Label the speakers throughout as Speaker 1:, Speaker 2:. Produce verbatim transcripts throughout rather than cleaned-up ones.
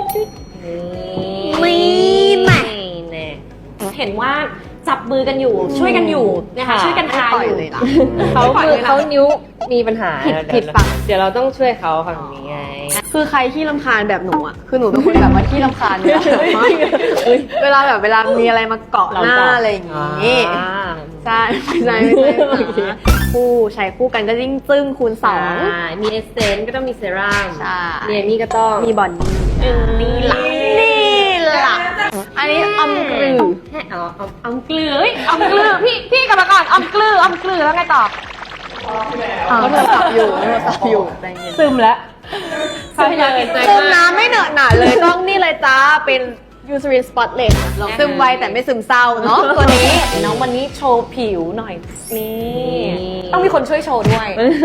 Speaker 1: นี่แม่เห็นว่าจับมือกันอยู่ช่วยกันอยู่นะคะช่วยกันทาอยู่เลยล่ะ
Speaker 2: เขามือเขานิ้วมีปัญหา
Speaker 1: ผิดผิดฝั่ง
Speaker 2: เดี๋ยวเราต้องช่วยเขาฝั่งนี้ไง
Speaker 3: คือใครที่รำคาญแบบหนูอ่ะคือหนูเป็นคนแบบว่าที่รำคาญเนี่ยเวลาแบบเวลามีอะไรมาเกาะหน้าอะไรอย่างงี้ใช่ไม่ใช่ไม่ใช่คู่ใช้คู่กันก็ยิ่งจึ้งคูณสอง
Speaker 2: มีเอสเซนต์ก็ต้องมีเซรั่ม
Speaker 3: ใช่
Speaker 2: มีอันนี้ก็ต้อง
Speaker 3: มีบอนนี่นี่ล่ะนี่ล่ะอันนี้อมกลือ
Speaker 2: แค่อ๋ออมอมเกลือเฮ้ยอมเกลือพี่พี่กลับมาก่อนอมเกลืออมเกลือแล้วไงต่อ
Speaker 3: เขาโทรศัพท์อยู่โทรศัพท์อยู่ใจเย็น
Speaker 2: ซึมแล้วซึมเลย
Speaker 3: ซึมน้ำไม่เหนอะหนาเลยต้องนี่เลยจ้าเป็นยูซ r รินสปอตเลสซึมไวแต่ไม่ซึมเศร้าเนาะตัวนี้
Speaker 1: น้องวันนี้โชว์ผิวหน่อยนี่ต้องมีคนช่วยโชว์ด้วย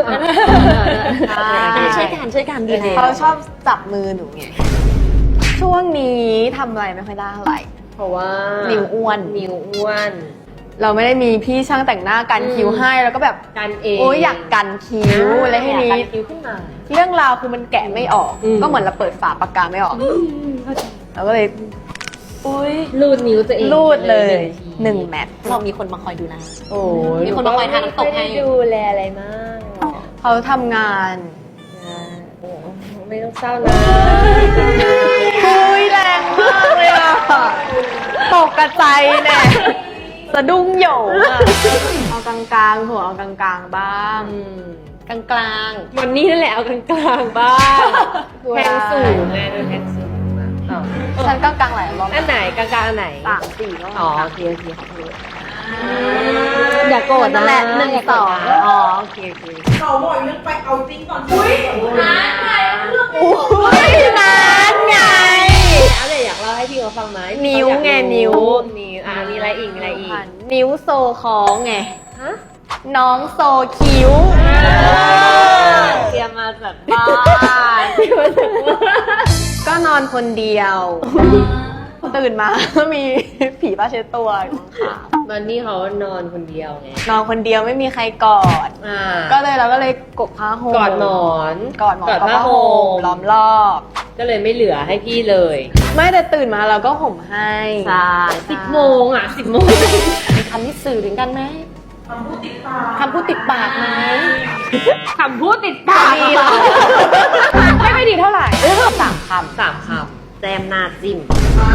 Speaker 1: ช่วยกันช่วยกันดีแล้ว
Speaker 3: เขาชอบจับมือหนูไงช่วงนี้ทำอะไรไม่ค่อยได้เท่าไหร่
Speaker 2: เพราะว่า
Speaker 3: นิ้วอ้วน
Speaker 2: นิ้วอ้วน
Speaker 3: เราไม่ได้มีพี่ช่างแต่งหน้ากันคิ้วให้แล้วก็แบบ
Speaker 2: กันเอง
Speaker 3: โอ้ยอยากกันคิ้วอะไรให้นี้
Speaker 2: กันคิ้วขึ้นมา
Speaker 3: เรื่องราวคือมันแกะไม่ออก
Speaker 2: อืม
Speaker 3: ก็เหมือนเราเปิดฝาปากกาไม่ออกเราก็เลย
Speaker 1: อุ้ย
Speaker 2: รูดนิ้วตัวเอง
Speaker 3: รูดเลยหนึ่งแมท
Speaker 1: เรามีคนมาคอยดูแล
Speaker 2: โอ้ย
Speaker 1: มีคนมาคอยทาน้ำตกให้
Speaker 2: ไม่ได้ดูแลอะไรมาก
Speaker 3: เขาทำงาน
Speaker 2: โอ้ไม่ต้องเศร้านะ
Speaker 3: เฮ้ยแรงมากเลยอ่ะตกกระใจแน่สะดุ้งโหยงอ่ะเอากลางๆหัวเอากลางๆบ้าง
Speaker 1: กลางกลาง
Speaker 2: วันนี้นั่นแหละเอากลางๆบ้างแทงสูงไงดูแทงสูงมาต่อ
Speaker 3: ฉันกลางๆหลายรอบ
Speaker 2: อันไหนกลางๆอันไหน
Speaker 3: สามสี่รอบ
Speaker 2: อ๋อโอเคโอเคขอโทษอย่าโกรธ
Speaker 3: นั่
Speaker 2: นะ
Speaker 3: นแหละหนึ่งสอง
Speaker 2: อ๋อโอเคโอเค
Speaker 4: เขาบอกเรื่องไปเอาจริงก่อนอุ้ยหาใครเรื่อง
Speaker 3: อุ้ยนานไง
Speaker 2: แล้วเดี๋ยวอยากเล่าให้พี่เขาฟังไหม
Speaker 3: นิ้วไงนิ้ว
Speaker 2: นิ้วอ่ามีอะไรอีกมีอะไรอีก
Speaker 3: นิ้วโซคล้องไง
Speaker 2: ฮะ
Speaker 3: น้องโซคิ้ว
Speaker 2: เตรียมมาจากบ้านเตรียมมาจากบ้าน
Speaker 3: ก็นอนคนเดียว ตื่นมาก็มีผีป้าเช็ดตัวอยู่ข้าง
Speaker 2: วันนี้เขานอนคนเดียวไง
Speaker 3: ๆนอนคนเดียวไม่มีใครกอด
Speaker 2: อ่า
Speaker 3: ก็เลยเราก็เลยกกผ้าห่ม
Speaker 2: กอดหมอน
Speaker 3: กอดหมอน
Speaker 2: กอด
Speaker 3: กับ
Speaker 2: ผ้า
Speaker 3: ผ้า
Speaker 2: ห่
Speaker 3: ห่ม
Speaker 2: ม
Speaker 3: ล้อมรอบ
Speaker 2: ก็เลยไม่เหลือให้พี่เลย
Speaker 3: ไม่แต่ตื่นมาเราก็ห่มให้
Speaker 2: ใช่สิบโมงอ่ะสิบโมง
Speaker 1: คำที่สื่อถึงกันไหม
Speaker 4: คำพูดติดปาก
Speaker 1: คำพูดติดปากไหม
Speaker 2: คำพูดติดปาก
Speaker 3: ดีเหรอ
Speaker 1: ไม่ไม่ดีเท่าไหร่สามค
Speaker 2: สามคำแจมหน้าจิ้ม
Speaker 4: อ่า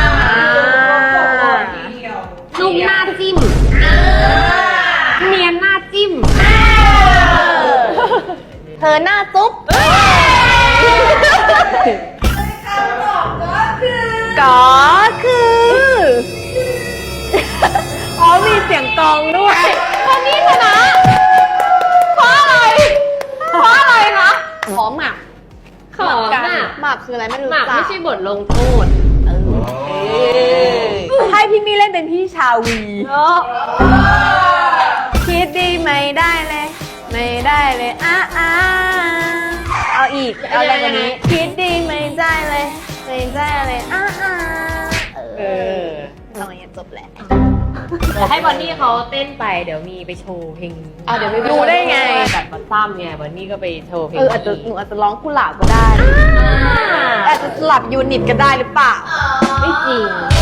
Speaker 1: ำนุ่มหน้าจิ้มเนียนหน้าจิ้ม
Speaker 3: เธอหน้าจุ๊บก็คืออ๋อมีเสียงกลองด้วยคนนี้ชนะเพราะอะไรเพราะอะไรคะ
Speaker 1: ขอหมัก
Speaker 2: ขอหมาก
Speaker 3: หมากคืออะไรไม่รู้
Speaker 2: หมาก
Speaker 3: จั
Speaker 2: ไม่
Speaker 3: ก
Speaker 2: ใช่บทลงโทษ
Speaker 3: ให้พี่มี่เล่นเป็นพี่ชาวีคิดดีไม่ได้เลย ไม่ได้เลยอ้าอ้าเอาอีกเอาอะไรกว่านี้คิดดีไม่ได้เลยไม่ได้เลยอ้าอ้า
Speaker 2: เออ
Speaker 3: ตอนนี้จบแล้ว
Speaker 2: เดี๋ยวให้บอนนี่เขาเต้นไปเดี๋ยวมีไปโชว์เพลง
Speaker 1: อ่ะเดี๋ยวไม่
Speaker 3: รู้ได้ไง
Speaker 2: แบบมาซ้ำไงบอนนี่ก็ไปโชว์เพลง
Speaker 3: เอออาจจะหนูอาจจะร้องกุหลาบก็ได้อาจจะสลับยูนิตก็ได้หรือเปล่า
Speaker 2: ไม่จริง